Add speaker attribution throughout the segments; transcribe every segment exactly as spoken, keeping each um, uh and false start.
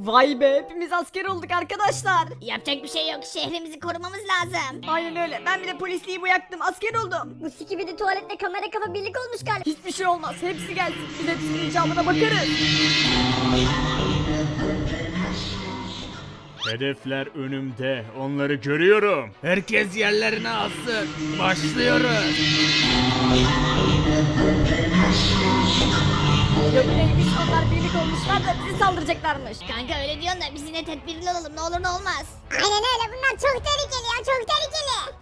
Speaker 1: Vay be, hepimiz asker olduk arkadaşlar.
Speaker 2: Yapacak bir şey yok. Şehrimizi korumamız lazım.
Speaker 1: Aynen öyle, ben bile polisliği bıraktım, asker oldum.
Speaker 3: Bu sikibidi tuvaletle kamera kafa birlik olmuş galiba.
Speaker 1: Hiçbir şey olmaz, hepsi gelsin, biz hepsinin icabına bakarız.
Speaker 4: Hedefler önümde. Onları görüyorum.
Speaker 5: Herkes yerlerine alsın. Başlıyoruz.
Speaker 1: Ya bu neymiş, onlar birlik olmuşlar da bizi saldıracaklarmış.
Speaker 2: Kanka öyle diyorsun da biz yine tedbirli olalım. Ne olur ne olmaz.
Speaker 3: Aynen öyle, bunlar çok tehlikeli ya, çok tehlikeli.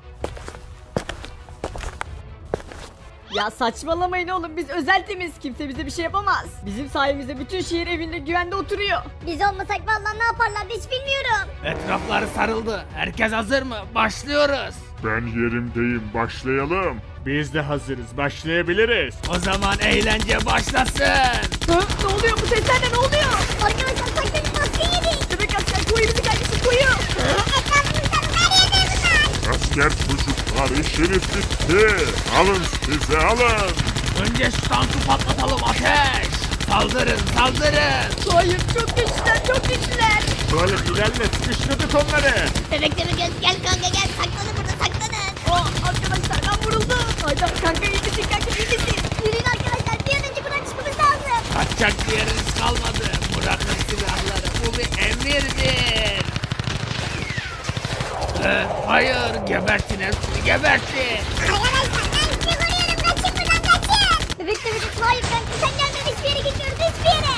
Speaker 1: Ya saçmalamayın oğlum, biz özel temiz, kimse bize bir şey yapamaz. Bizim sayemizde bütün şehir evinde güvende oturuyor.
Speaker 3: Biz olmasak vallahi ne yaparlardı hiç bilmiyorum.
Speaker 5: Etrafları sarıldı. Herkes hazır mı? Başlıyoruz.
Speaker 6: Ben yerimdeyim, başlayalım.
Speaker 4: Biz de hazırız. Başlayabiliriz.
Speaker 5: O zaman eğlence başlasın.
Speaker 1: Hı? Ne oluyor bu sesler de, ne oluyor?
Speaker 3: Arkadaşlar sakın maske yedik.
Speaker 1: Bebek asker koyu bizi kardeşim, koyu.
Speaker 3: Etrafımızdan her yerde bunlar.
Speaker 6: Asker çocuklar, işiniz bitti. Alın size, alın.
Speaker 5: Önce şu tankı patlatalım, ateş. Saldırın, saldırın.
Speaker 1: Hayır, çok güçlüler, çok güçlüler.
Speaker 4: Böyle ilerle, sıkıştırdık onları.
Speaker 2: Bebekte bir göz gel kanka gel. Saklanın burada saklanın.
Speaker 1: Oh arkadaşlar, ben vuruldum. Hayda kanka, iyi misin kanka, iyi misin?
Speaker 3: Yürüyün arkadaşlar, bir an önce buradan çıkmamız lazım.
Speaker 5: Kaçacak bir yeriniz kalmadı. Bırakın silahları. Bu bir emirdir. Ee, hayır, gebertin hepsini, gebertin.
Speaker 3: Arkadaşlar ben sizi koruyorum, kaçın buradan kaçın. Bebek de bebek, hayır kanka sen gelmeden hiçbir yere gitmiyoruz, hiçbir yere.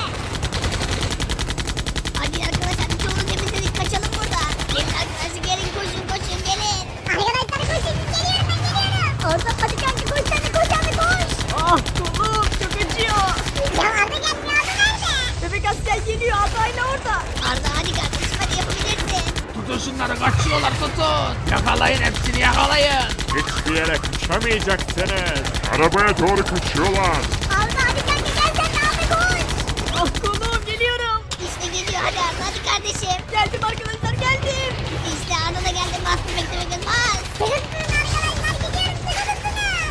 Speaker 2: Hadi arkadaşlar bir çoğunu temizledik. Kaçalım burada. Gelin arkadaşlar gelin koşun koşun gelin.
Speaker 3: Arkadaşlar koşun, geliyorum ben geliyorum. Arda hadi kanka koş sen de, koş abi koş.
Speaker 1: Ah kolum, çok acıyor.
Speaker 3: Ya Arda gelmiyor, Arda nerede?
Speaker 1: Bebek asker geliyor, Arda'yla orada.
Speaker 2: Arda hadi kardeşim hadi yapabilirsin.
Speaker 5: Tutun şunları, kaçıyorlar, tutun. Yakalayın hepsini, yakalayın.
Speaker 4: Hiçbir yere kaçamayacaksınız.
Speaker 6: Arabaya doğru kaçıyorlar.
Speaker 3: Arda hadi kanka gel sen de, Arda koş.
Speaker 1: Ah kolum, geliyorum.
Speaker 2: İşte geliyor hadi Arda hadi kardeşim.
Speaker 1: Geldim arkadaşlar, geldim.
Speaker 2: İşte Arda da geldi. Bas bebekte bir göz bas.
Speaker 3: Sıkıntının arkadaşlar, gidiyorum sıkıntının.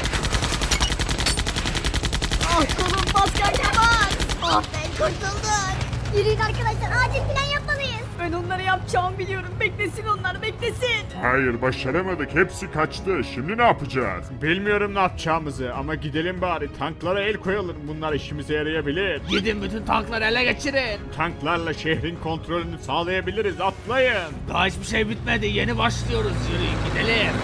Speaker 1: Ah kolum, bas kanka bas.
Speaker 2: Oh be kurtulduk.
Speaker 3: Yürüyün arkadaşlar, acil plan yapmalıyız.
Speaker 1: Ben onlara yapacağımı biliyorum. Beklesin onlar, beklesin.
Speaker 6: Hayır, başaramadık. Hepsi kaçtı. Şimdi ne yapacağız?
Speaker 4: Bilmiyorum ne yapacağımızı ama gidelim bari. Tanklara el koyalım. Bunlar işimize yarayabilir.
Speaker 5: Gidin bütün tankları ele geçirin.
Speaker 4: Tanklarla şehrin kontrolünü sağlayabiliriz. Atlayın.
Speaker 5: Daha hiçbir şey bitmedi, yeni başlıyoruz. Yürüyün gidelim.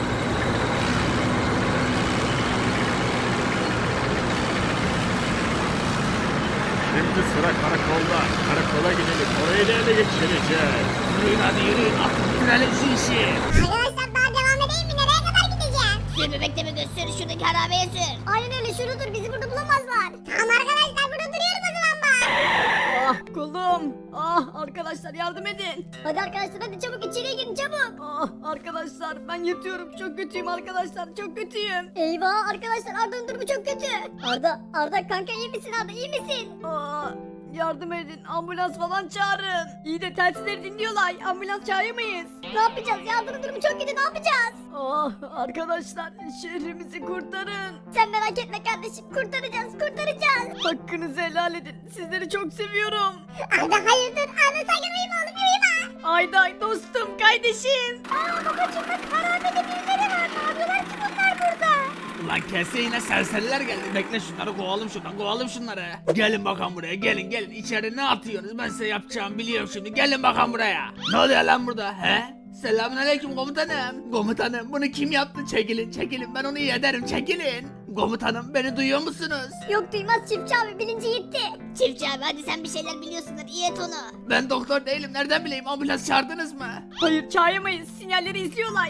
Speaker 4: Şimdi sıra karakolda. Karakola gidelim. Orayı da ele geçireceğiz.
Speaker 5: Yürüyün hadi yürüyün, artık bitirelim şu işi.
Speaker 3: Arkadaşlar daha devam edeyim mi? Nereye kadar gideceğim?
Speaker 2: Sür bebekte bir göz sür. Şuradaki harabeye sür.
Speaker 3: Aynen öyle, şurada dur, bizi burada bulamazlar. Tamam arkadaşlar, burada duruyoruz o zaman bak.
Speaker 1: Ah kolum. Ah arkadaşlar, yardım edin.
Speaker 3: Hadi arkadaşlar hadi çabuk içeriye girin çabuk.
Speaker 1: Ah arkadaşlar, ben yatıyorum. Çok kötüyüm arkadaşlar, çok kötüyüm.
Speaker 3: Eyvah arkadaşlar, Arda'nın durumu çok kötü. Arda, Arda kanka iyi misin Arda, iyi misin?
Speaker 1: Ah, yardım edin, ambulans falan çağırın. İyi de telsizleri dinliyorlar. Ambulans çağıramayız.
Speaker 3: Ne yapacağız ya, Arda'nın durumu çok kötü, ne yapacağız?
Speaker 1: Ah arkadaşlar, şehrimizi kurtarın.
Speaker 3: Sen merak etme kardeşim, kurtaracağız kurtaracağız.
Speaker 1: Hakkınızı helal edin. Sizleri çok seviyorum.
Speaker 3: Arda hayır dur, Arda sakın uyuma oğlum, uyuma.
Speaker 1: Ayday dostum, kardeşim.
Speaker 3: Aa babacım bak, harabede birileri var, ne yapıyorlar ki bunlar burada?
Speaker 5: Ulan kese yine serseriler geldi. Bekle şunları kovalım şuradan, kovalım şunları. Gelin bakalım buraya, gelin gelin. İçeri ne atıyorsunuz? Ben size yapacağımı biliyorum şimdi. Gelin bakalım buraya. Ne oluyor lan burada he? Selamünaleyküm komutanım. Komutanım bunu kim yaptı? Çekilin çekilin, ben onu iyi ederim, çekilin. Komutanım beni duyuyor musunuz?
Speaker 3: Yok duymaz çiftçi abi, bilinci gitti.
Speaker 2: Çiftçi abi hadi sen bir şeyler biliyorsundur. İyi et onu.
Speaker 5: Ben doktor değilim, nereden bileyim, ambulans çağırdınız mı?
Speaker 1: Hayır, çağıramayız. Sinyalleri izliyorlar.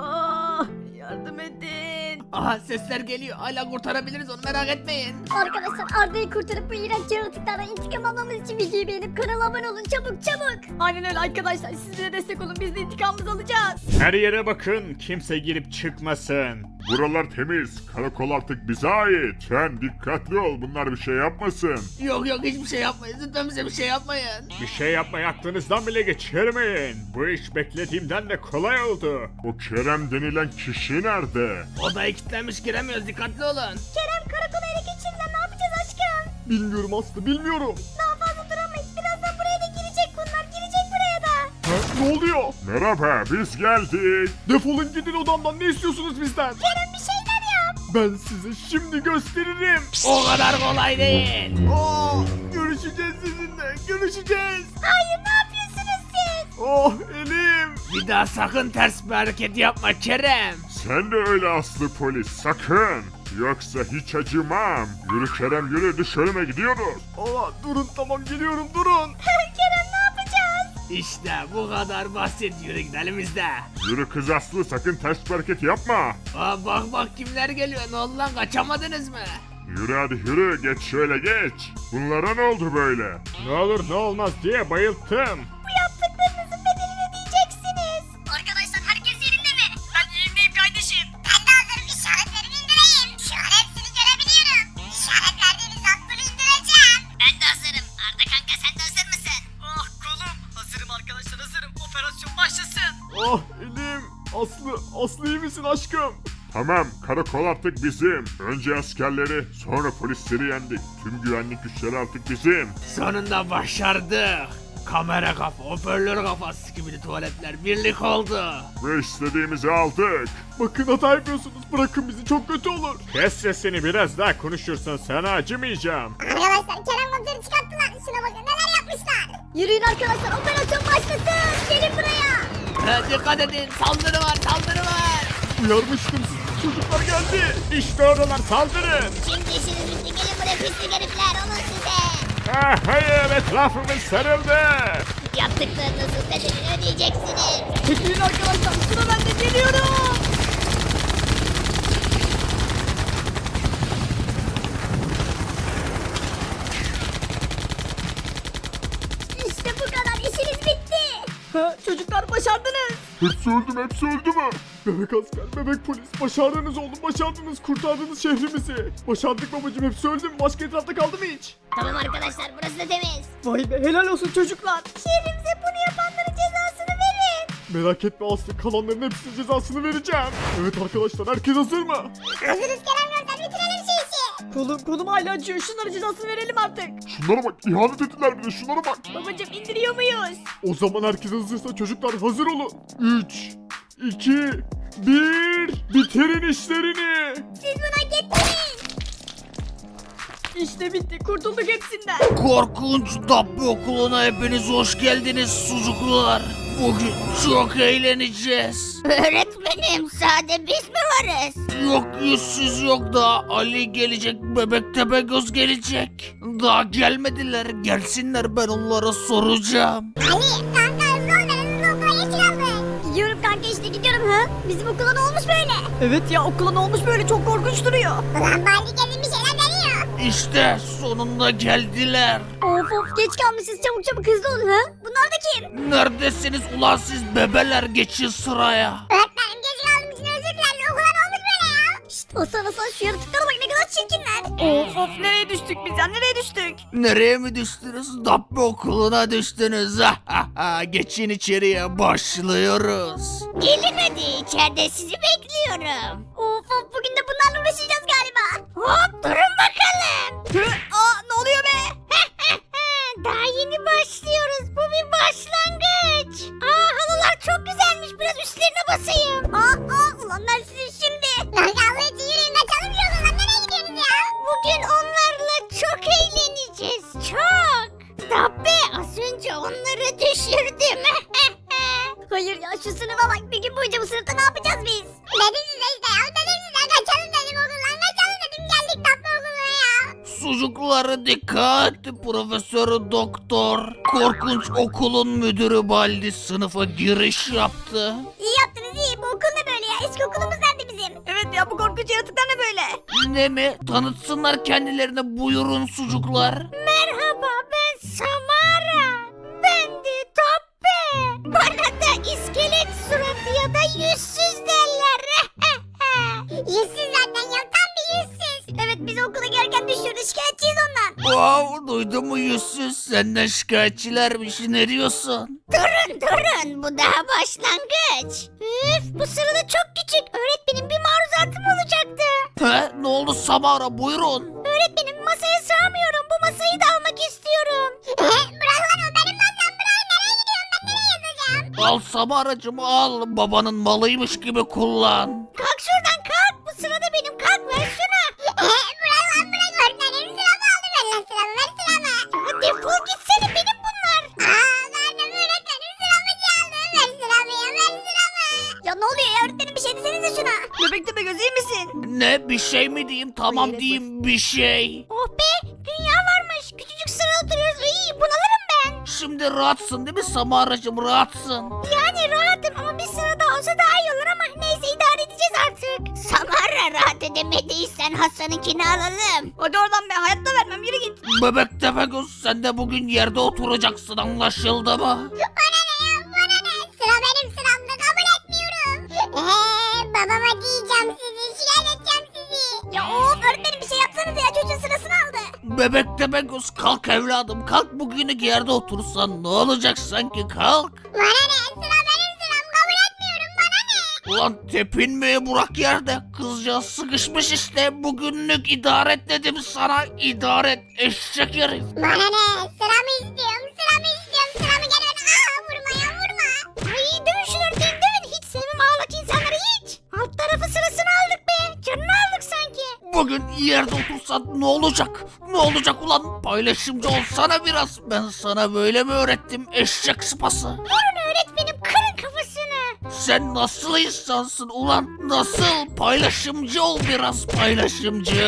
Speaker 1: Ah, yardım edin.
Speaker 5: Aha sesler geliyor, hala kurtarabiliriz onu, merak etmeyin.
Speaker 3: Arkadaşlar Arda'yı kurtarıp bu iğrenç yaratıklardan intikam almamız için videoyu beğenip kanala abone olun çabuk çabuk.
Speaker 1: Aynen öyle arkadaşlar. Siz de destek olun. Biz de intikamımızı alacağız.
Speaker 4: Her yere bakın. Kimse girip çıkmasın.
Speaker 6: Buralar temiz. Karakol artık bize ait. Sen dikkatli ol. Bunlar bir şey yapmasın.
Speaker 5: Yok yok hiçbir şey yapmayın, lütfen bize bir şey yapmayın.
Speaker 4: Bir şey yapmayı aklınızdan bile geçirmeyin. Bu iş beklediğimden de kolay oldu.
Speaker 6: O Kerem denilen kişi nerede?
Speaker 5: Odaya kilitlenmiş, giremiyoruz, dikkatli olun.
Speaker 3: Kerem karakola ele geçirdiler, ne yapacağız aşkım?
Speaker 1: Bilmiyorum Aslı, bilmiyorum.
Speaker 3: Daha fazla duramayız, birazdan buraya da girecek bunlar,
Speaker 4: Ne oluyor?
Speaker 6: Merhaba, biz geldik.
Speaker 4: Defolun gidin odamdan, ne istiyorsunuz bizden?
Speaker 3: Kerem bir şeyler yap.
Speaker 4: Ben size şimdi gösteririm.
Speaker 5: O kadar kolay değil.
Speaker 4: Aa, görüşeceğiz sizinle, görüşeceğiz.
Speaker 3: Hayır ne yapıyorsunuz siz?
Speaker 4: Oh elim.
Speaker 5: Bir daha sakın ters bir hareket yapma Kerem.
Speaker 6: Sen de öyle aslı polis, sakın. Yoksa hiç acımam. Yürü Kerem yürü, dışarıma gidiyoruz.
Speaker 4: Aa, durun tamam geliyorum durun.
Speaker 3: Kerem ne yapacağız?
Speaker 5: İşte bu kadar basit, yürü gidelim biz de.
Speaker 6: Yürü kız aslı, sakın ters bir hareket yapma.
Speaker 5: Aa, bak bak kimler geliyor, ne oldu lan, kaçamadınız mı?
Speaker 6: Yürü hadi yürü, geç şöyle geç. Bunlara ne oldu böyle?
Speaker 4: Ne olur ne olmaz diye bayılttım.
Speaker 3: Bu yaptıklarınızın bedelini ödeyeceksiniz. Arkadaşlar herkes yerinde mi? Ben yerindeyim kardeşim. Ben de hazırım, işaretlerimi indireyim. Şu an hepsini görebiliyorum. İşaret verdiğiniz atları indireceğim. Ben de hazırım. Arda kanka sen de hazır mısın?
Speaker 1: Ah kolum. Hazırım arkadaşlar, hazırım. Operasyon başlasın.
Speaker 4: Ah elim. Aslı, Aslı iyi misin aşkım?
Speaker 6: Tamam, karakol artık bizim. Önce askerleri, sonra polisleri yendik. Tüm güvenlik güçleri artık bizim.
Speaker 5: Sonunda başardık. Kamera kafa, hoparlör kafa, sikimili tuvaletler birlik oldu.
Speaker 6: Ve istediğimizi aldık.
Speaker 4: Bakın hata yapıyorsunuz, bırakın bizi, çok kötü olur. Kes sesini, biraz daha konuşursan sana acımayacağım.
Speaker 3: Arkadaşlar Kerem komiseri çıkarttılar. Şuna bakın neler yapmışlar. Yürüyün arkadaşlar operasyon başlasın. Gelin buraya.
Speaker 5: Ha, dikkat edin, saldırı var, saldırı var.
Speaker 4: Uyarmıştım sizi, çocuklar geldi. İşte oralar, saldırın.
Speaker 2: Şimdi işiniz bitti. Gelin buraya pislik herifler. Olun size.
Speaker 4: Ah hayır, etrafımız sarıldı.
Speaker 2: Yaptıklarınızın bedelini ödeyeceksiniz.
Speaker 1: Çekilin arkadaşlar, sıra bende, geliyorum.
Speaker 3: İşte bu kadar işiniz bitti.
Speaker 1: Ha, çocuklar başardınız.
Speaker 6: Hepsi öldü mü? Hepsi öldü mü?
Speaker 4: Bebek asker, bebek polis, başardınız oğlum, başardınız, kurtardınız şehrimizi. Başardık babacım, hepsi öldü mü? Başka etrafta kaldı mı hiç?
Speaker 2: Tamam arkadaşlar, burası da temiz.
Speaker 1: Vay be, helal olsun çocuklar.
Speaker 3: Şehrimize bunu yapanların cezasını verin.
Speaker 4: Merak etme Aslı, kalanların hepsinin cezasını vereceğim. Evet arkadaşlar, herkes hazır mı?
Speaker 3: Hazırız Kerem komiser bitirelim şu işi.
Speaker 1: Kolum, kolum hala acıyor, şunlara cezasını verelim artık.
Speaker 6: Şunlara bak, ihanet ettiler bir de, şunlara bak.
Speaker 1: Babacım indiriyor muyuz?
Speaker 4: O zaman herkes hazırsa çocuklar hazır olun. üç, iki, bir, bitirin işlerini.
Speaker 3: Siz bunu hak ettiniz.
Speaker 1: İşte bitti, kurtulduk hepsinden.
Speaker 5: Korkunç Dabbe okuluna hepiniz hoş geldiniz sucuklar. Bugün çok eğleneceğiz.
Speaker 2: Öğretmenim, sade biz mi varız?
Speaker 5: Yok yüzsüz yok da Ali gelecek, Bebek Tepegöz gelecek. Daha gelmediler, gelsinler ben onlara soracağım.
Speaker 3: Ali kanka hızlı ol ben hızlı okula geç kaldım. Gidiyorum kanka işte gidiyorum ha. Bizim okula ne olmuş böyle?
Speaker 1: Evet ya, okula ne olmuş böyle, çok korkunç duruyor.
Speaker 3: Ulan Bali gelin bir şeyler deniyor.
Speaker 5: İşte sonunda geldiler.
Speaker 3: Of of geç kalmışız çabuk çabuk hızlı olun ha. Bunlar da kim?
Speaker 5: Neredesiniz ulan siz bebeler, geçin sıraya.
Speaker 3: Öğretmenim geç kaldığım için özür dilerim. Okula ne olmuş böyle ya? Şşt Hasan Hasan şu yaratıklara bak ne kadar çirkinler.
Speaker 1: Of of, nereye düştük biz ya, nereye düştük?
Speaker 5: Nereye mi düştünüz? Dabbe okuluna düştünüz. Geçin içeriye, başlıyoruz.
Speaker 2: Gelin hadi, içeride sizi bekliyorum.
Speaker 3: Of of bugün de bunlarla uğraşacağız galiba.
Speaker 2: Hop, durun bakalım.
Speaker 1: Hı, aa ne oluyor be?
Speaker 2: Daha yeni başlıyoruz. Bu bir başlangıç. Aa, halılar çok güzelmiş. Biraz üstlerine basayım.
Speaker 3: Aa aa ulan ben sizin şimdi. Lan Allah için yürüyün kaçalım şu okuldan nereye gidiyorsunuz ya?
Speaker 2: Bugün onlarla çok eğleneceğiz. Çok. Dabbe, az önce onları düşürdüm.
Speaker 3: Hayır ya şu sınıfa bak bir gün boyunca bu sınıfta ne yapacağız biz? Dedim size işte ya dedim size kaçalım dedim okuldan kaçalım dedim geldik tatlı okuluna ya.
Speaker 5: Sucuklara dikkat. Profesör Doktor korkunç okulun müdürü Baldi sınıfa giriş yaptı.
Speaker 3: İyi yaptınız iyi bu okul ne böyle ya eski okulumuz nerede bizim?
Speaker 1: Evet ya, bu korkunç yaratıklar ne böyle?
Speaker 5: Ne mi? Tanıtsınlar kendilerine, buyurun sucuklar.
Speaker 2: Merhaba, ben Samara. Ben de Dabbe. Bana da iskelet suratı ya da yüzsüz derler.
Speaker 3: Yüzsüz zaten ya tam bir yüzsüz. Evet biz okula gelirken düşürdü şikayetçiyiz ondan.
Speaker 5: Wow, duydun mu yüzsüz? Senden şikayetçilermiş, ne diyorsun?
Speaker 2: Durun durun, bu daha başlangıç. Üf, bu sırada çok küçük. Öğretmenim bir maruzatım olacaktı.
Speaker 5: He, ne oldu Samara, buyurun.
Speaker 2: Öğretmenim masaya sığamıyorum. Bu masayı da almak istiyorum.
Speaker 3: Bırak lan o benim masam bırak nereye gidiyorum ben nereye yazacağım?
Speaker 5: Al Samaracığım al. Babanın malıymış gibi kullan.
Speaker 2: Kalk şuradan kalk. Bu sırada benim. Kalk ver şunu.
Speaker 3: bırak lan bırak öğretmenim sıramı aldı ver lan sıramı ver sıramı.
Speaker 2: Ya defol gitsene benim bunlar.
Speaker 3: Aa verdim öğretmenim sıramı çaldı ver sıramı ya ver sıramı.
Speaker 2: Ya ne oluyor ya öğretmenim bir şey desenize şuna.
Speaker 1: Bebek Tepegöz iyi misin?
Speaker 5: Ne bir şey mi diyeyim? Tamam
Speaker 1: Hayır,
Speaker 5: diyeyim bir şey.
Speaker 2: Oh be dünya varmış. Küçücük sırada oturuyoruz. İyi bunalırım ben.
Speaker 5: Şimdi rahatsın değil mi Samaracığım rahatsın?
Speaker 2: Yani rahatım ama bir sıra daha olsa daha iyi olur ama neyse idare edeceğiz artık. Samara rahat edemediysen Hasan'ınkini alalım.
Speaker 1: Hadi oradan be hayatta vermem yürü git.
Speaker 5: Bebek Tepegöz sen de bugün yerde oturacaksın anlaşıldı mı?
Speaker 3: Bana ne ya bana ne sıra benim sıramda kabul etmiyorum. Eee babama diyeceğim sizi şikayet edeceğim sizi.
Speaker 2: Ya of öğretmenim bir şey yapsanız ya çocuğun sırasını aldı.
Speaker 5: Bebek Tepegöz kalk evladım kalk bugünlük yerde otursan ne olacak sanki kalk.
Speaker 3: Bana ne sıra benim sıram kabul etmiyorum bana ne.
Speaker 5: Ulan tepinmeye bırak yerde kızcağız sıkışmış işte bugünlük idare et dedim sana idare et eşek herif.
Speaker 3: Bana ne sıramı istiyorum sıramı istiyorum sıramı gel ver. Aa vurma ya vurma.
Speaker 2: Ay dövün şunu öğretmenim dövün. Hiç sevmem ağlak insanları hiç. Alt tarafı sırasını aldık be. Canını aldık sanki.
Speaker 5: Bugün yerde otursan ne olacak? Ne olacak ulan? Paylaşımcı olsana biraz. Ben sana böyle mi öğrettim eşek sıpası?
Speaker 2: Vurun öğretmenim kırın kafasını.
Speaker 5: Sen nasıl insansın ulan? Nasıl? Paylaşımcı ol biraz paylaşımcı.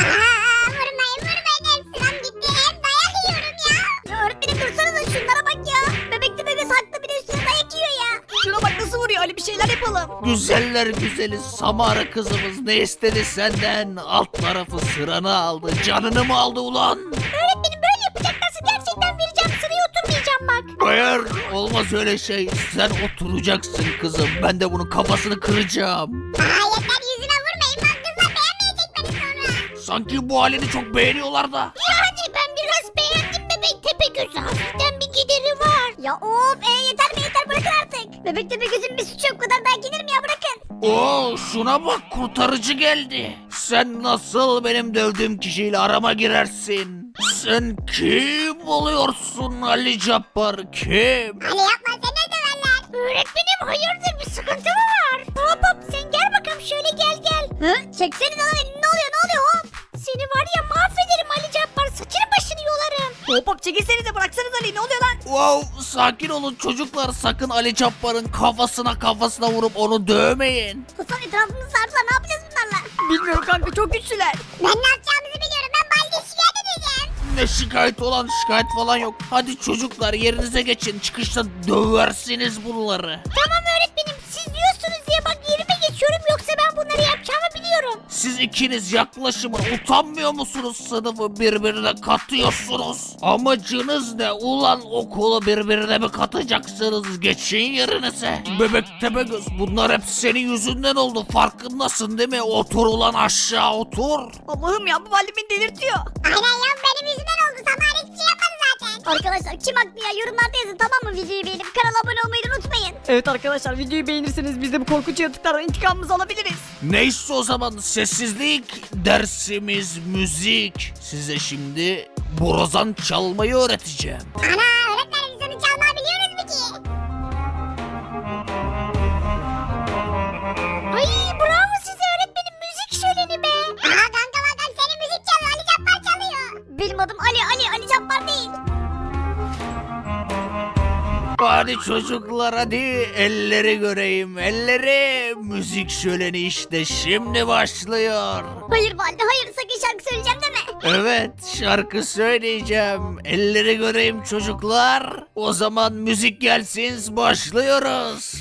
Speaker 3: Aa vurmayın vurmayın hem sıram gitti hem dayak yiyorum ya.
Speaker 2: Ya öğretmenim dursanıza şunlara bak ya. Bebek de bebek haklı bir de üstüne dayak yiyor ya.
Speaker 1: Şuna bak nasıl vuruyor Ali bir şeyler yapalım.
Speaker 5: Güzeller güzeli Samara kızımız ne istedi senden? Alt tarafı sıranı aldı. Canını mı aldı ulan?
Speaker 2: Öğretmenim böyle yapacaklarsa gerçekten vereceğim sıraya oturmayacağım bak.
Speaker 5: Hayır olmaz öyle şey. Sen oturacaksın kızım. Ben de bunun kafasını kıracağım.
Speaker 3: Aa yeter yüzüme vurmayın bak kızlar beğenmeyecek beni sonra.
Speaker 5: Sanki bu halini çok beğeniyorlar da.
Speaker 2: Yani ben biraz beğendim bebek tepe gözü. Hafiften bir gideri var. Ya of e, yeter be yeter bırakın artık. Bebek tepe gözün bir suçu yok bu kadar dayak yenir mi ya bırakın.
Speaker 5: Oo şuna bak kurtarıcı geldi. Sen nasıl benim dövdüğüm kişiyle arama girersin? Sen kim oluyorsun Ali Cabbar kim?
Speaker 3: Ali yapma seni de döverler.
Speaker 2: Öğretmenim hayırdır bir sıkıntı mı var? Hop hop sen gel bakalım şöyle gel gel. Hı? Çekseniz lan elini ne oluyor ne oluyor hop. Seni var ya mahvederim Ali Cabbar saçını başını yolarım.
Speaker 1: Hop hop çekilsenize bıraksanız Ali ne oluyor lan?
Speaker 5: Wow sakin olun çocuklar sakın Ali Cabbar'ın kafasına kafasına vurup onu dövmeyin.
Speaker 2: Hasan etrafımızı sardılar ne yapacağız bunlarla?
Speaker 1: Bilmiyorum kanka çok güçlüler.
Speaker 3: Ben ne yapacağımızı biliyorum ben Baldi'ye şikayet edeceğim.
Speaker 5: Ne şikayet olan şikayet falan yok. Hadi çocuklar yerinize geçin çıkışta döversiniz bunları.
Speaker 2: Tamam öğretmenim siz diyorsunuz diye bak yerime geçiyorum yoksa ben bunları yapacağımı biliyorum.
Speaker 5: Siz ikiniz yaklaşımın utanmıyor musunuz sınıfı birbirine katıyorsunuz? Amacınız ne ulan okulu birbirine mi katacaksınız geçin yerinize? Bebek Tepegöz bunlar hep senin yüzünden oldu farkındasın değil mi? Otur ulan aşağı otur.
Speaker 1: Allah'ım ya bu valide beni delirtiyor.
Speaker 3: Aynen ya benim yüzümden oldu Samara hiçbir şey yapmadı zaten.
Speaker 2: Arkadaşlar kim haklı ya yorumlarda yazın tamam mı videoyu beğenip kanala abone olmayı da unutmayın.
Speaker 1: Evet arkadaşlar videoyu beğenirseniz biz de bu korkunç yaratıklardan intikamımızı alabiliriz.
Speaker 5: Neyse o zaman sessizlik dersimiz müzik. Size şimdi borazan çalmayı öğreteceğim.
Speaker 3: Ana öğretmenim biz onu çalmayı biliyoruz mu ki?
Speaker 2: Ay bravo size öğretmenim müzik şöleni be.
Speaker 3: Aha kanka bakalım senin müzik çalıyor Ali Cabbar çalıyor.
Speaker 2: Benim adım Ali Ali Ali Cabbar değil.
Speaker 5: Hadi çocuklar hadi elleri göreyim elleri. Müzik şöleni işte şimdi başlıyor.
Speaker 2: Hayır valide hayır sakın şarkı söyleyeceğim deme.
Speaker 5: Evet şarkı söyleyeceğim. Elleri göreyim çocuklar. O zaman müzik gelsin başlıyoruz.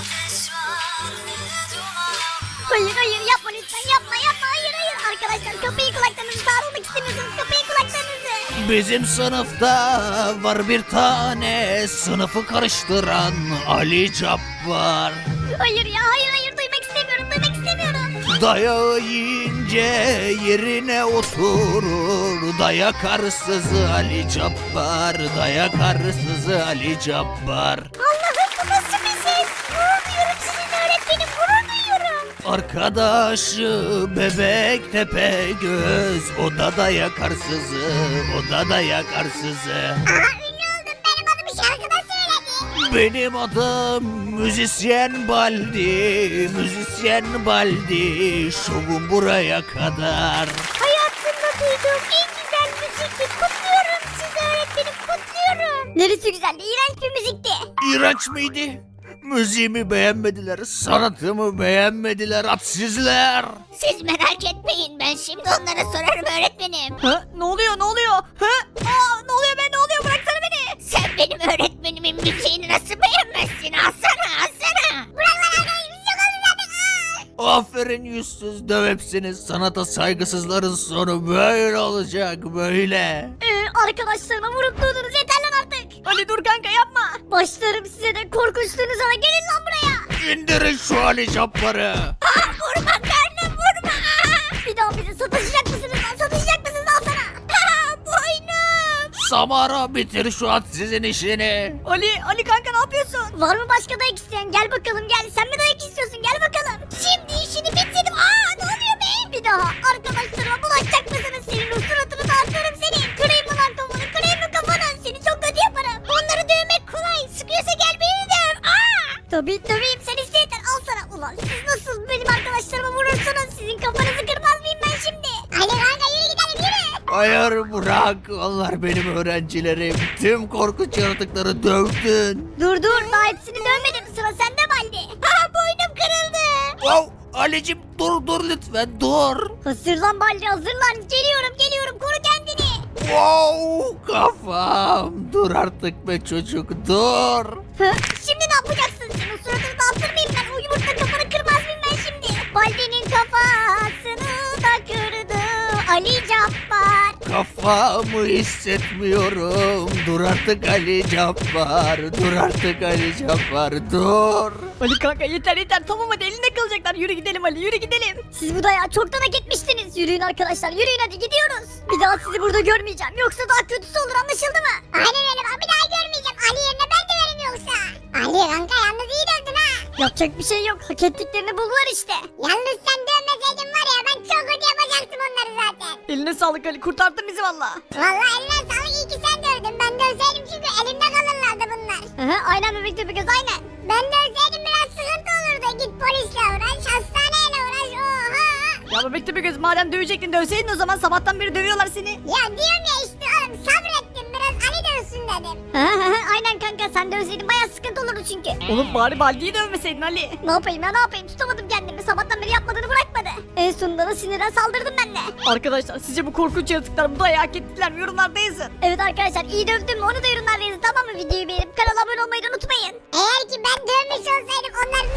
Speaker 2: Hayır hayır yapma lütfen yapma yapma hayır hayır. Arkadaşlar kapıyı kulaklarınızı sağlamak istemiyorsanız kapıyı kulaklarınızı.
Speaker 5: Bizim sınıfta var bir tane sınıfı karıştıran Ali Cabbar.
Speaker 2: Hayır ya hayır hayır duymak istemiyorum duymak istemiyorum.
Speaker 5: Dayağı yiyince yerine oturur. Dayak arsızı Ali Cabbar. Dayak arsızı Ali Cabbar.
Speaker 2: Allah'ım bu nasıl bir ses? Gurur duyuyorum sizinle öğretmenim gurur duyuyorum.
Speaker 5: Arkadaşı bebek tepe göz. O da dayak arsızı. O da dayak arsızı.
Speaker 3: Aha ünlü oldum benim adımı şarkıda söyledi.
Speaker 5: Benim adım müzisyen Baldi, müzisyen Baldi, şovum buraya kadar.
Speaker 2: Hayatımda duyduğum en güzel müzikti. Kutluyorum sizi öğretmenim, kutluyorum. Neresi güzeldi? İğrenç bir müzikti.
Speaker 5: İğrenç miydi? Müziğimi beğenmediler, sanatımı beğenmediler, hadsizler.
Speaker 2: Siz merak etmeyin, ben şimdi onlara sorarım öğretmenim.
Speaker 1: Ha? Ne oluyor ne oluyor? Ha? Aa, ne oluyor be ne oluyor bıraksana beni.
Speaker 2: Sen benim öğretmenimin müziğini nasıl beğenmezsin? Alsana alsana. Bırak lan arkadaş, bir şey oldu zaten. Aa!
Speaker 5: Aferin yüzsüz döv hepsini, sanata saygısızların sonu böyle olacak böyle.
Speaker 2: Ee, arkadaşlarıma vurup durdunuz, yeter lan artık.
Speaker 1: Ali dur kanka yapma.
Speaker 2: Başlarım size de, korkunçluğunuza da, gelin lan buraya.
Speaker 5: İndirin şu Ali Cabbar'ı.
Speaker 2: Aa, vurma karnım, vurma. Bir daha bizi sataşacak mısınız lan, sataşacak mısınız, al sana. Aa, boynum.
Speaker 5: Samara bitir şu hadsizin işini.
Speaker 1: Ali Ali kanka ne yapıyorsun?
Speaker 2: Var mı başka dayak isteyen? Gel bakalım gel. Sen mi dayak istiyorsun? Gel bakalım. Şimdi işini bitirdim. Aa, ne oluyor be? Bir daha arkadaşlarıma bulaşacak mısınız? Senin o suratını dağıtırım seni. Kırayım mı lan kafanı? Kırayım mı kafanı? Seni çok kötü yaparım. Onları dövmek kolay. Sıkıyorsa gel beni döv. Aa! Tabii döveyim. Sen iste yeter. Al sana. Ulan siz nasıl benim arkadaşlarıma vurursunuz? Sizin kafanızı kırmaz mıyım ben şimdi? Hadi kanka yürü gidelim yürü.
Speaker 5: Hayır bırak, onlar benim öğrencilerim. Tüm korkunç yaratıkları dövdün.
Speaker 2: Dur dur. Daha hepsini dövmedim. Sıra sende Baldi. Aa, boynum kırıldı.
Speaker 5: Wow, Ali'cim dur dur lütfen dur.
Speaker 2: Hazırlan Baldi, hazırlan. Geliyorum geliyorum. Koru kendini.
Speaker 5: Wow, kafam. Dur artık be çocuk dur.
Speaker 2: Hı? Şimdi ne yapacaksın? Senin suratını dağıtır mıyım ben? O yumurta kafanı kırmaz mıyım ben şimdi? Baldi'nin kafasını da kırdı Ali Cabbar.
Speaker 5: Kafamı hissetmiyorum. Dur artık Ali Cabbar. Dur artık Ali Cabbar dur.
Speaker 1: Ali kanka yeter yeter tamam hadi elinde kalacaklar. Yürü gidelim Ali yürü gidelim.
Speaker 2: Siz bu dayağı çoktan hak etmiştiniz. Yürüyün arkadaşlar, yürüyün hadi gidiyoruz. Bir daha sizi burada görmeyeceğim. Yoksa daha kötüsü olur, anlaşıldı mı? Aynen öyle bak, bir daha görmeyeceğim. Ali yerine ben döverim yoksa. Ali kanka yalnız iyi dövdün ha.
Speaker 1: Yapacak bir şey yok. Hak ettiklerini buldular işte.
Speaker 2: Yalnız sen dövmeseydin var ya, ben çok kötü yapacaktım onları zaten.
Speaker 1: Eline sağlık Ali kurtardın bizi valla.
Speaker 2: Vallahi eline sağlık, iyi ki sen dövdün. Ben dövseydim çünkü elimde kalırlardı bunlar.
Speaker 1: Hı, aynen bebek de bir göz aynen.
Speaker 2: Ben dövseydim biraz sıkıntı olurdu. Git polisle uğraş, hastaneyle uğraş. Oha.
Speaker 1: Ya bebek de bir göz madem dövecektin dövseydin o zaman sabahtan beri dövüyorlar seni.
Speaker 2: Ya diyorum ya işte oğlum, sabrettim biraz, Ali dövsün dedim.
Speaker 1: Aynen kanka sen dövseydin baya sıkıntı olurdu çünkü. Oğlum bari Baldi'yi dövmeseydin Ali.
Speaker 2: Ne yapayım ya, ne yapayım, tutamadım kendimi. Sabahtan beri yapmadığını bırakmadı. En sonunda da sinirden saldırdım ben de.
Speaker 1: Arkadaşlar sizce bu korkunç yaratıklar bu dayağı hak ettiler mi? Yorumlarda yazın.
Speaker 2: Evet arkadaşlar, iyi dövdüm mü onu da yorumlarda yazın, tamam mı? Videoyu beğenip kanala abone olmayı da unutmayın. Eğer ki ben dövmüş olsaydım onların